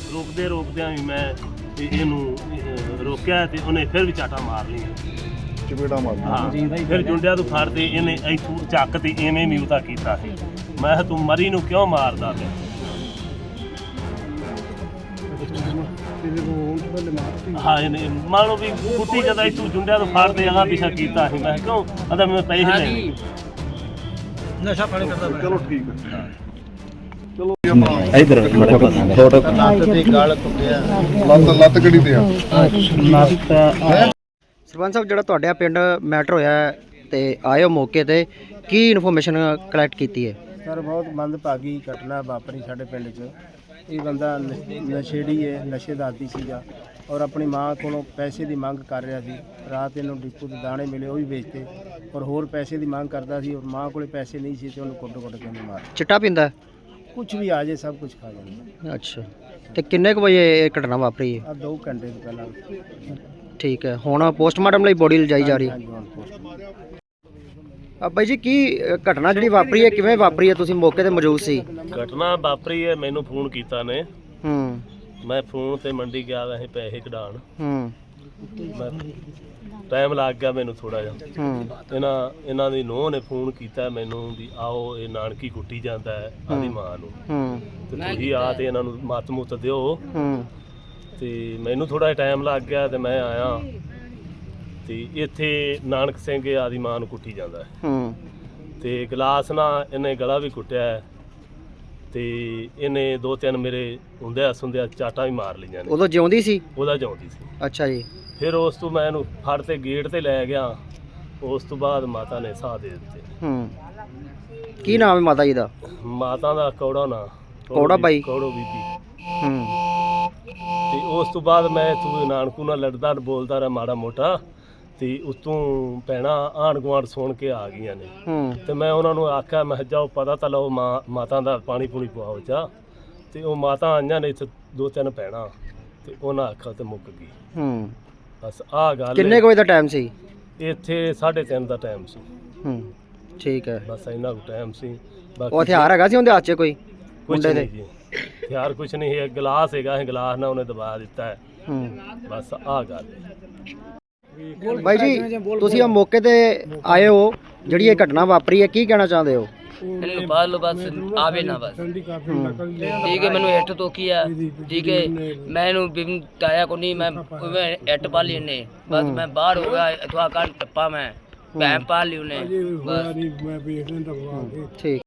ਰੋਕਦਿਆਂ ਵੀ ਮੈਂ ਇਹਨੂੰ ਰੋਕਿਆ ਤੇ ਉਹਨੇ ਫਿਰ ਵੀ ਚਾਟਾ ਮਾਰ ਲਈਆਂ, ਚਪੇੜਾ ਮਾਰ ਹਾਂ। ਫਿਰ ਜੁੰਡਿਆਂ ਤੋਂ ਫੜਦੇ ਇਹਨੇ ਇੱਥੋਂ ਚੱਕ ਤੇ ਐਵੇਂ ਮਿਊਤਾ ਕੀਤਾ ਸੀ। ਮੈਂ ਕਿਹਾ ਤੂੰ ਮਰੀ ਨੂੰ ਕਿਉਂ ਮਾਰਦਾ ਪਿਆ? ਹਾਂ ਇਹਨੇ ਮੰਨ ਲਓ ਵੀ ਕੁੱਟੀ ਕਦਾ ਇੱਥੋਂ ਜੁੰਡਿਆਂ ਤੋਂ ਫੜਦੇ ਅਗਾਂਹ ਪਿੱਛਾ ਕੀਤਾ ਸੀ। ਮੈਂ ਕਿਹਾ ਕਿਉਂ? ਕਹਿੰਦਾ ਮੈਂ ਪੈਸੇ ਲੈਣੇ, ਨਸ਼ਾ ਪਾਣੀ ਕਰਦਾ। ਚਲੋ ਠੀਕ ਹੈ। ਇਧਰ ਫੋਟੋ ਲੱਤ ਕਿਹੜੀ ਤੇ ਆ? ਸਰਪੰਚ ਸਾਹਿਬ, ਜਿਹੜਾ ਤੁਹਾਡੇ ਪਿੰਡ ਮੈਟਰ ਹੋਇਆ ਤੇ ਆਏ ਹੋ ਮੌਕੇ ਤੇ, ਕੀ ਇਨਫੋਰਮੇਸ਼ਨ ਕਲੈਕਟ ਕੀਤੀ ਹੈ? ਸਰ, ਬਹੁਤ ਮੰਦਭਾਗੀ ਘਟਨਾ ਵਾਪਰੀ ਸਾਡੇ ਪਿੰਡ 'ਚ। ਇਹ ਬੰਦਾ ਨਸ਼ੇੜੀ ਹੈ, ਨਸ਼ੇ ਦਾ ਆਦੀ ਸੀਗਾ ਔਰ ਆਪਣੀ ਮਾਂ ਕੋਲੋਂ ਪੈਸੇ ਦੀ ਮੰਗ ਕਰ ਰਿਹਾ ਸੀ। ਰਾਤ ਇਹਨੂੰ ਡਿਪੂ ਦੇ ਦਾਣੇ ਮਿਲੇ, ਉਹ ਵੀ ਵੇਚਤੇ ਔਰ ਹੋਰ ਪੈਸੇ ਦੀ ਮੰਗ ਕਰਦਾ ਸੀ ਔਰ ਮਾਂ ਕੋਲੇ ਪੈਸੇ ਨਹੀਂ ਸੀ ਤੇ ਉਹਨੂੰ ਕੁੱਟ ਕੇ ਮਾਰ। ਚਿੱਟਾ ਪੀਂਦਾ? ਕੁਝ ਵੀ ਆ ਜੇ ਸਭ ਕੁਝ ਖਾ ਜਾਂਦਾ। ਅੱਛਾ, ਤੇ ਕਿੰਨੇ ਕੁ ਵਜੇ ਇਹ ਘਟਨਾ ਵਾਪਰੀ ਹੈ? ਆ 2 ਘੰਟੇ ਤੋਂ ਪਹਿਲਾਂ। ਠੀਕ ਹੈ, ਹੁਣ ਪੋਸਟਮਾਰਟਮ ਲਈ ਬੋਡੀ ਲਿਜਾਈ ਜਾ ਰਹੀ ਹੈ। ਬਾਈ ਜੀ, ਕੀ ਘਟਨਾ ਜਿਹੜੀ ਵਾਪਰੀ ਹੈ ਕਿਵੇਂ ਵਾਪਰੀ ਹੈ? ਤੁਸੀਂ ਮੌਕੇ ਤੇ ਮੌਜੂਦ ਸੀ? ਘਟਨਾ ਵਾਪਰੀ ਹੈ, ਮੈਨੂੰ ਫੋਨ ਕੀਤਾ ਨੇ। ਹੂੰ। ਮੈਂ ਫੋਨ ਤੇ ਮੰਡੀ ਗਿਆ ਵੈਸੇ ਪੈਸੇ ਕਢਾਉਣ। ਹੂੰ। ਮੈਂ ਟਾਈਮ ਲੱਗ ਗਿਆ ਮੈਨੂੰ ਥੋੜਾ ਜਿਹਾ। ਹੂੰ। ਇਹਨਾਂ ਦੀ ਨੂੰਹ ਨੇ ਫੋਨ ਕੀਤਾ ਮੈਨੂੰ ਵੀ ਆਓ, ਇਹ ਨਾਨਕੀ ਕੁੱਟੀ ਜਾਂਦਾ ਹੈ ਆਦੀ ਮਾਂ ਨੂੰ। ਹੂੰ। ਤੇ ਤੁਸੀਂ ਆ ਤੇ ਇਹਨਾਂ ਨੂੰ ਮੱਤ ਮੁੱਤ ਦਿਓ। ਹੂੰ। ਤੇ ਮੈਨੂੰ ਥੋੜਾ ਟਾਈਮ ਲੱਗ ਗਿਆ ਤੇ ਮੈਂ ਆਇਆ ਤੇ ਇੱਥੇ ਨਾਨਕ ਸਿੰਘ ਆਦੀ ਮਾਂ ਨੂੰ ਕੁੱਟੀ ਜਾਂਦਾ ਹੈ। ਹੂੰ। ਤੇ ਗਲਾਸ ਨਾਲ ਇਹਨੇ ਗਲਾ ਵੀ ਕੁੱਟਿਆ ਹੈ ਤੇ ਇਹਨੇ 2-3 ਮੇਰੇ ਹੁੰਦਿਆਂ ਸੁੰਦਿਆਂ ਚਾਟਾਂ ਵੀ ਮਾਰ ਲਈਆਂ ਨੇ। ਉਦੋਂ ਜਿਉਂਦੀ ਸੀ? ਉਹਦਾ ਜਿਉਂਦੀ ਸੀ। ਅੱਛਾ ਜੀ। ਫਿਰ ਉਸ ਤੋਂ ਮੈਂ ਇਹਨੂੰ ਫੜ ਤੇ ਗੇਟ ਤੇ ਲੈ ਗਿਆ। ਉਸ ਤੋਂ ਬਾਅਦ ਮਾਤਾ ਨੇ ਸਾਹ ਦੇ ਦਿੱਤੇ। ਹੂੰ। ਕੀ ਨਾਮ ਹੈ ਮਾਤਾ ਜੀ ਦਾ? ਮਾਤਾ ਦਾ ਕੌੜਾ ਨਾਂ, ਕੌੜਾ ਬਾਈ? ਕੌੜੋ ਬੀਬੀ। ਹੂੰ। ਤੇ ਉਸ ਤੋਂ ਬਾਅਦ ਮੈਂ ਇੱਥੋਂ ਨਾਨਕੂ ਨਾਲ ਲੜਦਾ ਬੋਲਦਾ ਰਿਹਾ ਮਾੜਾ ਮੋਟਾ ਤੇ ਉਤੋਂ ਭੈਣਾਂ ਆਂਢ ਗੁਆਂਢ ਸੁਣ ਕੇ ਆ ਗਈਆਂ ਨੇ। ਹੂੰ। ਤੇ ਮੈਂ ਉਹਨਾਂ ਨੂੰ ਆਖਿਆ ਮੈਂ ਜਾਓ ਪਤਾ ਤਾਂ ਲਓ ਮਾਤਾ ਦਾ ਪਾਣੀ ਪੂਣੀ ਪਵਾਓ ਚਾਹ। ਤੇ ਉਹ ਮਾਤਾ ਆਈਆਂ ਨੇ ਇੱਥੇ 2-3 ਭੈਣਾਂ ਤੇ ਉਹਨਾਂ ਆਖਿਆ ਤੇ ਮੁੱਕ ਗਈ। ਹੂੰ। ਬਸ ਆਹ ਗੱਲ। ਕਿੰਨੇ ਕੁ ਵਜੇ ਦਾ ਟਾਈਮ ਸੀ? ਇੱਥੇ 3:30 ਦਾ ਟਾਈਮ ਸੀ। ਹੂੰ। ਠੀਕ ਹੈ। ਬਸ ਇੰਨਾ ਕੁ ਟਾਈਮ ਸੀ। ਉਹ ਹਥਿਆਰ ਹੈਗਾ ਸੀ ਉਹਦੇ ਹੱਥ 'ਚ ਕੋਈ? ਕੁਛ ਮੁੰਡੇ ਦੇ? ਨਹੀਂ ਜੀ, ਹਥਿਆਰ ਕੁਛ ਨਹੀਂ ਹੈ। ਗਲਾਸ ਹੈਗਾ, ਇਹ ਗਲਾਸ ਨਾਲ ਉਹਨੇ ਦਬਾ ਦਿੱਤਾ ਹੈ। ਹੂੰ। ਬਸ ਆਹ ਗੱਲ ਹੈ। ਬਾਈ ਜੀ, ਤੁਸੀਂ ਆ ਮੌਕੇ ਤੇ ਆਏ ਹੋ, ਜਿਹੜੀ ਇਹ ਘਟਨਾ ਵਾਪਰੀ ਹੈ, ਕੀ ਕਹਿਣਾ ਚਾਹੁੰਦੇ ਹੋ? ਇਹਨੂੰ ਬਾਹਰ ਲੋ ਬਸ ਆਵੇ ਨਾ ਬਸ। ਠੀਕ ਹੈ, ਮੈਨੂੰ ਇੱਟ ਤੋਕੀ ਆ। ਠੀਕ ਹੈ, ਮੈਂ ਇਹਨੂੰ ਬਿਮ ਤਾਇਆ ਕੋ ਨਹੀਂ, ਮੈਂ ਇੱਟ ਪਾ ਲਈ ਨੇ ਬਸ। ਮੈਂ ਬਾਹਰ ਹੋ ਗਿਆ ਇਥਵਾ ਕੰਨ ਟੱਪਾ, ਮੈਂ ਭੈਣ ਪਾ ਲਈ ਉਹਨੇ ਬਸ। ਠੀਕ।